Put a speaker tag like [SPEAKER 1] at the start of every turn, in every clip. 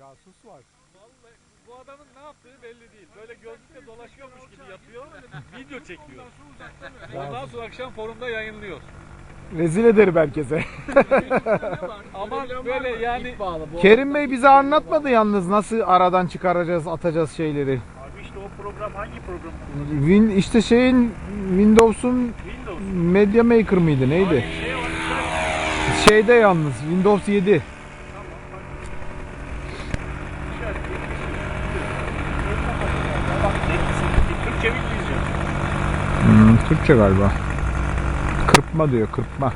[SPEAKER 1] Casus var.
[SPEAKER 2] Vallahi bu adamın ne yaptığı belli değil. Böyle gözlükle dolaşıyormuş gibi yapıyor. Video çekiyor. Ondan sonra akşam forumda yayınlıyor.
[SPEAKER 1] Rezil ederim herkese.
[SPEAKER 2] Ama böyle yani
[SPEAKER 1] Kerim Bey bize anlatmadı yalnız nasıl aradan çıkaracağız, atacağız şeyleri.
[SPEAKER 3] Abi işte o program hangi program?
[SPEAKER 1] İşte şeyin Windows'un
[SPEAKER 3] Windows.
[SPEAKER 1] Media Maker mıydı neydi?
[SPEAKER 3] Hayır, şey var işte.
[SPEAKER 1] Şeyde yalnız Windows 7.
[SPEAKER 3] Bak Türkçe mi İngilizce?
[SPEAKER 1] Türkçe galiba. Kırpma diyor, kırpma.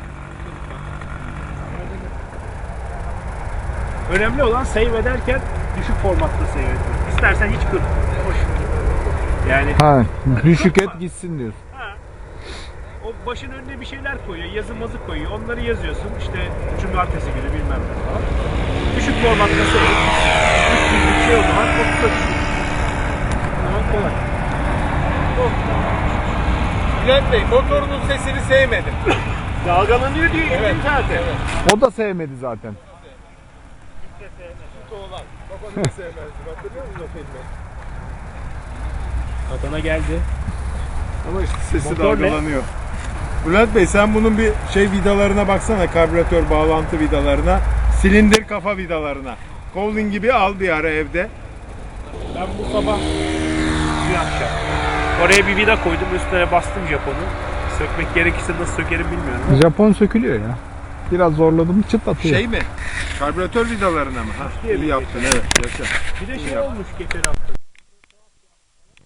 [SPEAKER 3] Önemli olan save ederken düşük formatta save etmek. İstersen hiç kırp. Hoş. Yani
[SPEAKER 1] Ha, düşük et gitsin diyorsun.
[SPEAKER 3] ha, o başın önüne bir şeyler koyuyor, yazı mazı koyuyor. Onları yazıyorsun. İşte cumartesi günü bilmem ne falan. Düşük formatta save et. 300'lük şey o zaman 30'a düşük. Tamam, kolay.
[SPEAKER 2] Bülent Bey motorunun sesini sevmedim.
[SPEAKER 3] Dalgalanıyor diye evet, zaten. Evet.
[SPEAKER 1] O da sevmedi zaten.
[SPEAKER 2] Babanı da sevmezdim. Hatırlıyor musun o filmi?
[SPEAKER 3] Adana geldi.
[SPEAKER 4] Ama işte sesi
[SPEAKER 3] Motor ne?
[SPEAKER 4] dalgalanıyor. Bülent Bey sen bunun bir şey vidalarına baksana, karbüratör bağlantı vidalarına, silindir kafa vidalarına. Kovlin gibi al bir ara evde.
[SPEAKER 3] Ben bu sabah bir akşam oraya bir vida koydum, üstüne bastım Japon'u. Sökmek gerekirse nasıl sökerim bilmiyorum.
[SPEAKER 1] Japon sökülüyor ya. Biraz zorladım çıt atıyor.
[SPEAKER 4] Şey mi? Karbüratör vidalarına mı? Ha,
[SPEAKER 3] Diye
[SPEAKER 4] iyi
[SPEAKER 3] bir
[SPEAKER 4] yaptın, evet. Yaşa.
[SPEAKER 3] Bir de şey olmuş geçen hafta.